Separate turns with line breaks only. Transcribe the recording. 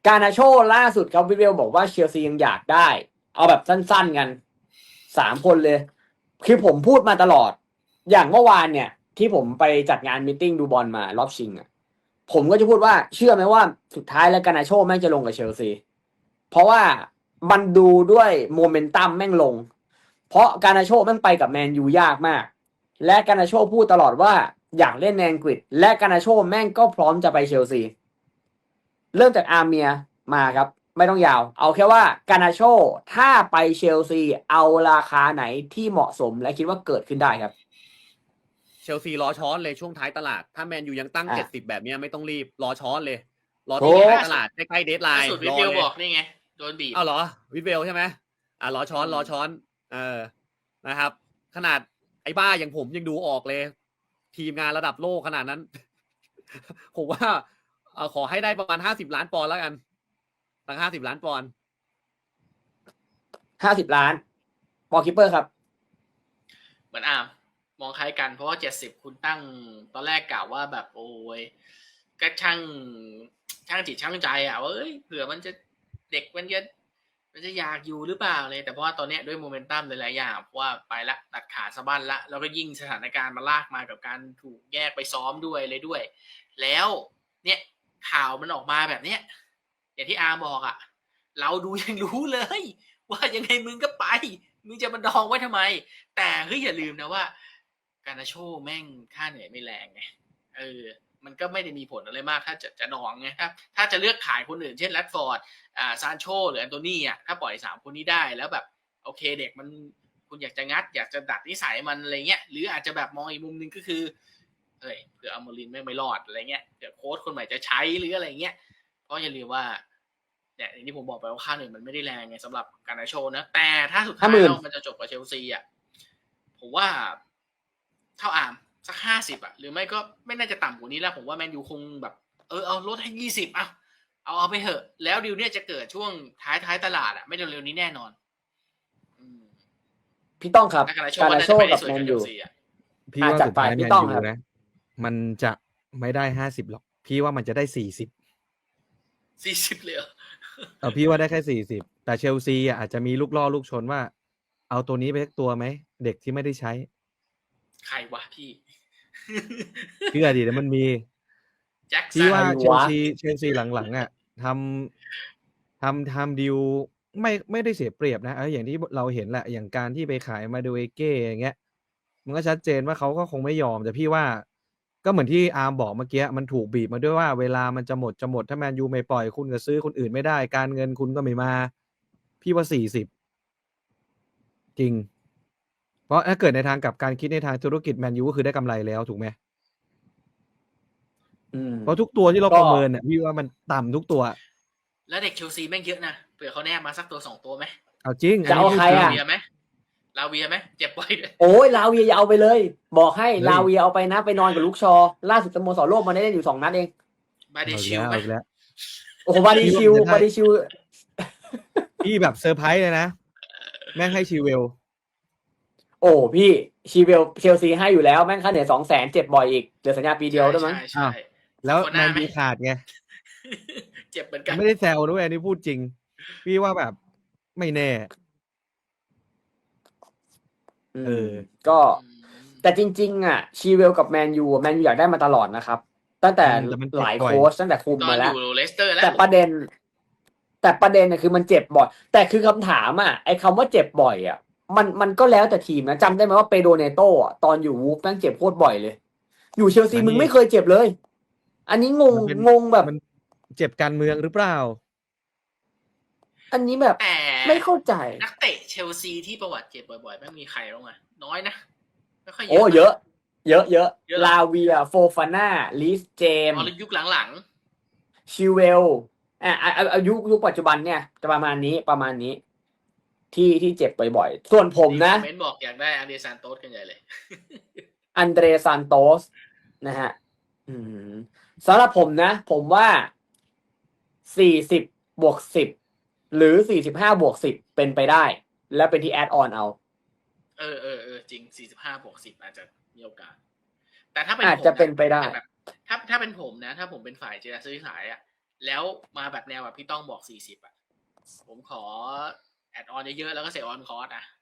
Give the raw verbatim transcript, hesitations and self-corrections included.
กานาโชล่าสุดครับวิเวลบอกว่าเชลซียังอยากได้ เอาแบบสั้นๆกันสามคนเลย คือผมพูดมาตลอด อย่างเมื่อวานเนี่ย ที่ผมไปจัดงานมีตติ้งดูบอลมารอบชิงอ่ะผมก็จะพูดว่าเชื่อไหมว่าสุดท้ายแล้วกานาโชแม่งจะลงกับเชลซี เพราะว่ามันดูด้วยโมเมนตัมแม่งลง เพราะกานาโชแม่งไปกับแมนยูยากมาก และกานาโชพูดตลอดว่าอยากเล่นในอังกฤษ และกานาโชแม่งก็พร้อมจะไปเชลซี เริ่มจากอาร์เมียมาครับ ไม่ต้องยาว เอาแค่ว่ากานาโชถ้าไปเชลซีเอาราคาไหนที่เหมาะสมและคิดว่าเกิดขึ้นได้ครับ
เชลซีรอช้อนเลยช่วงท้ายตลาดถ้าแมนยูยังตั้ง
อ่ะ
เจ็ดสิบแบบนี้ไม่ต้องรีบรอช้อนเลย รอ
โอ้
ที่ท้ายตลาดใกล้ๆเดดไล
ล่า
น์
สุดวิ
รอ
เวล
เลย
บอกนี่ไงโดนบีบ
เอาเหรอวิดเวลใช่ไหมอ่ะรอช้อน
อืม
รอช้อนเออนะครับ ขนาดไอ้บ้าอย่างผมยังดูออกเลย ทีมงานระดับโลกขนาดนั้น ผมว่าเอ่อขอให้ได้ประมาณห้าสิบล้านปอนด์แล้วกันตั้งห้าสิบล้านปอนด์
ห้าสิบล้านบอลคิปเปอร์ครับ
เหมือนอามมองคล้ายกันเพราะว่าเจ็ดสิบคุณตั้งตอนแรกกล่าวว่าแบบโอ้ยก็ช่างช่างจิตช่างใจอ่ะว่าเอ้ยเผื่อมันจะเด็กมันจะมันจะอยากอยู่หรือเปล่าเลยแต่เพราะว่าตอนเนี้ยด้วยโมเมนตัมหลายๆอย่างเพราะว่าไปละตัดขาสะบั้นละแล้วก็ยิ่งสถานการณ์มาลากมากับการถูกแยกไปซ้อมด้วยเลยด้วย แล้วเนี่ยข่าวมันออกมาแบบเนี้ยอย่างที่อาบอกอ่ะเราดูยังรู้เลย ว่ายังไงมึงก็ไปมึงจะมาดองไว้ทำไม แต่เฮ้ยอย่าลืมนะว่าการนาโชแม่งค่าเหนื่อยไม่แรงไงเออมันก็ไม่ได้มีผลอะไรมากถ้าจะจะดองไงถ้าถ้าจะเลือกขายคนอื่นเช่นแรดฟอร์ดอ่าซานโชหรือแอนโทนีอ่ะถ้าปล่อยสามคนนี้ได้แล้วแบบโอเคเด็กมันคุณอยากจะงัดอยากจะดัดนิสัยมันอะไรเงี้ยหรืออาจจะแบบมองอีกมุมนึงก็คือเอ้ยเผื่ออมรินไม่ไม่รอดอะไรเงี้ยเดี๋ยวโค้ชคนใหม่จะใช้หรืออะไรเงี้ยเพราะอย่าลืมว่าเนี่ยอย่างที่ผมบอกไปว่าค่าเหนื่อยมันไม่ได้แรงไงสำหรับการนาโชนะแต่ถ้าสุดท้ายแล้วมันจะจบกับเชลซีอ่ะผมว่าเท่าอาร์มสักห้าสิบอ่ะหรือไม่ก็ไม่น่าจะต่ำกว่านี้แล้วผมว่าแมนยูคงแบบเออเอาลดให้ยี่สิบเอาเอาเอาไปเถอะแล้วดิวเนี่ยจะเกิดช่วงท้ายท้ายตลาดอ่ะไม่เร็วๆนี้แน่นอนอืม
พี่ต้องครับ
การนาโช
กา
ว่า
นา
น่า
โช
จะไป
กับ
ได้สวย
แมน
กับเช
ยู
ลซีอ่ะ
พี่ว่า
อ่ะจัด
สุด
ไป
ท้ายแม
พี่
น
ต้อง
ยู
ครับ
นะ มันจะไม่ได้ห้าสิบหรอก พี่ว่ามันจะได้สี่สิบ
สี่สิบเลยเหรอ
เออพี่ว่าได้แค่สี่สิบแต่เชลซีอ่ะอาจจะมีลูกล่อลูกชนว่า เอาตัวนี้ไปสักตัวไหม เด็กที่ไม่ได้ใช้
ใครวะพี่
เชื่อดิแล้วมันมี
แจ็ค
พี่
สัน
ว่า
ใคร
เชล
วะ
ซีเชลซีหลังๆอ่ะทำทำทำดิวไม่ไม่ได้เสียเปรียบนะเอออย่างที่เราเห็นแหละอย่างการที่ไปขายมาดูเอเก้อย่างเงี้ย มันก็ชัดเจนว่าเขาก็คงไม่ยอมแต่พี่ว่า ก็เหมือนที่อาร์มบอกเมื่อกี้มันถูกบีบมาด้วยว่าเวลามันจะหมดจะหมดถ้าแมนยูไม่ปล่อยคุณก็ซื้อคนอื่นไม่ได้ การเงินคุณก็ไม่มา พี่ว่าสี่สิบจริง เพราะถ้าเกิดในทางกลับการคิดในทางธุรกิจแมนยูก็คือได้กำไรแล้วถูกไหม
อืม
เพราะทุกตัวที่เรา
ก็
ประเมินเนี่ยพี่ว่ามันต่ำทุกตัว
แล้วเด็กเชลซีแม่งเยอะนะเผื่อเขาแนบมาสักตัวสองตัวไหม
เอาจริง
จะเอาใคร
ลา
อ่ะ
เวียไหมลาเวียไหมเจ็บบ่อยด้วย
โอ้ยลาเวียอย่าเอาไปเลย บอกให้
เฮ้ย
ลาเวียเอาไปนะไปนอนกับลูกชอ ล่าสุดสโมสรโลกมันได้เล่นอยู่สองนัดเอง
บาเด
เอาอีก
ชิล
แล้ว
ไหม
เอาอีกแล้ว
โอ้โหบาดีชิว
พี่ว่ามันจะได้
บาดีชิว
พี่แบบเซอร์ไพรส์เลยนะ แม่งให้ชีเวล
โอ้พี่ชีเวลเชลซีให้อยู่แล้วแม่งค่าเหนื่อยสองแสนเจ็บบ่อยอีกเหลือสัญญาปีเดียวด้วยมั้ง
ใช่ใช่
แล้ว
คนห
แม
น้าน ไหม
ยูขาดไง
เจ็บเหมือนกัน
ไม่ได้แซวด้วยอันนี้พูดจริง พี่ว่าแบบไม่แน่ เออ
ก็
อืม
แต่จริงๆอ่ะชีเวลกับแมนยูแมนยูอยากได้มาตลอดนะครับ ตั้งแต่
อืมแต่มันเจ็บ
หลาย
บ่อย
โค้ชตั้งแต่คุม
ตอ
มาน
อ
แล้ว
ยู่เลสเตอร์แล้ว
แต่ประเด็น แต่ประเด็นเนี่ยคือมันเจ็บบ่อย แต่คือคำถามอ่ะไอ้คำว่าเจ็บบ่อยอ่ะ มันมันก็แล้วแต่ทีมนะจำได้ไหมว่าเปโดเนโต้อะตอนอยู่วูฟแม่งเจ็บโคตรบ่อยเลย อยู่เชลซี
อันนี้
มึงไม่เคยเจ็บเลย อันนี้งง
มันเป็น
งงแบบ
มันเจ็บการเมืองหรือเปล่า
อันนี้แบบ
แต่
ไม่เข้าใจ
นักเตะเชลซีที่ประวัติเจ็บบ่อยๆไม่มีใครบ้างอะน้อยนะไม่ค่อยเย
โอ้
อะ
เยอะ เยอะเยอะ
เยอะเหรอ
ลาเวียโฟฟาน่าลิสเจม
อ๋อยุคหลัง
ชิเวลอ่ะอ่ะอ่ะอายุยุคปัจจุบันเนี่ยจะประมาณนี้ประมาณนี้ ที่ที่เจ็บบ่อยๆ ส่วนผ
ๆ
มนะ
คอมเมนต์บอกอยากได้อันเดรซานโตสกันใหญ่เลย
อันเดรซานโตสนะฮะอืมสำหรับผมนะ ผมว่าสี่สิบบวกสิบหรือสี่สิบห้าบวกสิบเป็นไปได้ แล้วเป็นที่แอดออนเอา
เออเออเออจริงสี่สิบห้าบวกสิบอาจจะมีโอกาส แต่ถ้าเป็น
อาจ
ผม
จะเป็นไปได้
แต่แบบถ้าถ้าเป็นผมนะ ถ้าผมเป็นฝ่ายเจรจาซื้อขายอ่ะแล้วมาแบบแนวแบบพี่ต้องบอกสี่สิบอ่ะผมขอแอดออนเยอะๆแล้วก็เสียออนคอร์สอ่ะ